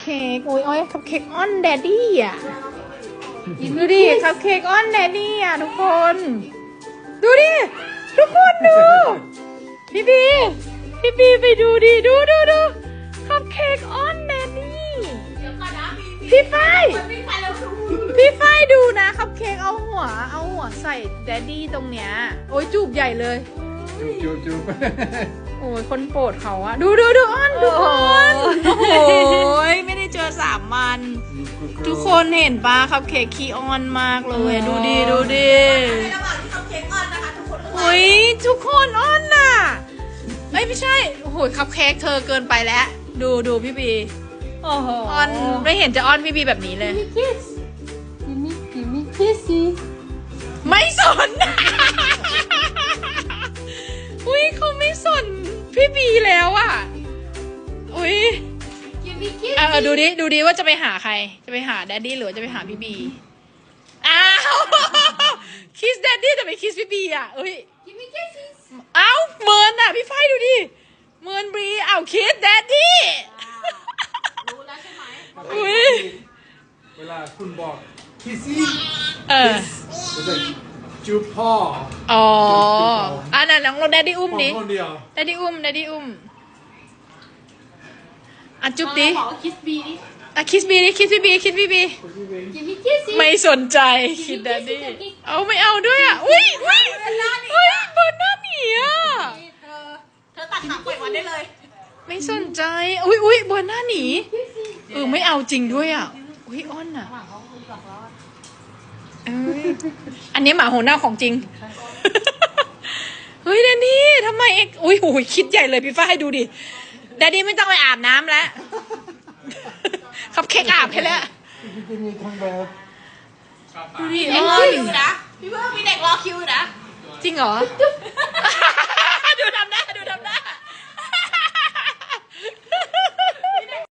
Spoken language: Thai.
เค้กโอ้ยโอ้ยคัพเค้กออนแดดดี้อ่ะดูดิคัพเค้กออนแดดดี้อ่ะทุกคนดูดิทุกคนดูพี่บีไปดูดิดูคัพเค้กออนแดดดี้พี่ฝ้ายดูนะคัพเค้กเอาหัวใส่แดดดี้ตรงเนี้ยโอ้ยจูบใหญ่เลยจูบโอ้ยคนโปรดเขาอะดูอ้อนทุกคนโอ้ยไม่ได้เจอ3 วันทุกคนเห็นปะคัพเค้กขี้อ้อนมากเลยดูดิในระหว่างที่คัพเค้กอ้อนนะคะทุกคนโอ้ยทุกคนอ้อนน่ะเอ้ยไม่ใช่โอ้โหคัพเค้กเธอเกินไปแล้วดูพี่บีโอ้โหอ้อนไม่เห็นจะอ้อนพี่บีแบบนี้เลย Give me kissy ไม่สนอุ้ยเขาไม่สนพี่บีแล้วอ่ะอุ้ย Give me kissy ดูดิว่าจะไปหาใครจะไปหาแดดดี้หรือจะไปหาพี่บีอ้าว คิสแดดดี้แต่ไม่คิสพี่บีอ่ะเอ้ย Give me kissy อ้าวเมินอ่ะพี่ไฟดูดิเมินบีอ้าวคิสแดดดี้รู้แล้วใช่ไหมอุ้ยเวลาคุณบอกคิสซี่ จะเป็นจูบพ่ออ๋ออันนั้นน้องแดดดี้อุ้มดิคนเดียวแดดดี้อุ้มอ่ะจุ๊บดิบอกว่า kiss me ดิอ่ะคิสบีดิคิสพี่บี Give me kissy ไม่สนใจคิดแดดดี้เอาไม่เอาด้วยอ่ะอุ้ยเบิร์นหน้าหนีอ่ะเธอตัดขาปล่อยวันได้เลยไม่สนใจอุ้ยเบิร์นหน้าหนีไม่เอาจริงด้วยอ่ะอุ้ยอ้อนอ่ะอันนี้หมาหัวหน้าของจริงเฮ้ยแดดดี้ทำไมเอ็กอุ้ยคิดใหญ่เลยพี่ฟ้าให้ดูดิแดดดี้ไม่ต้องไปอาบน้ำแล้วคัพเค้กอาบให้แล้วจะมีทั้งแบบดูดิเด็กอ้รออน คิวนะพี่เพิ่งมีเด็กรอคิวนะจริงเหรอ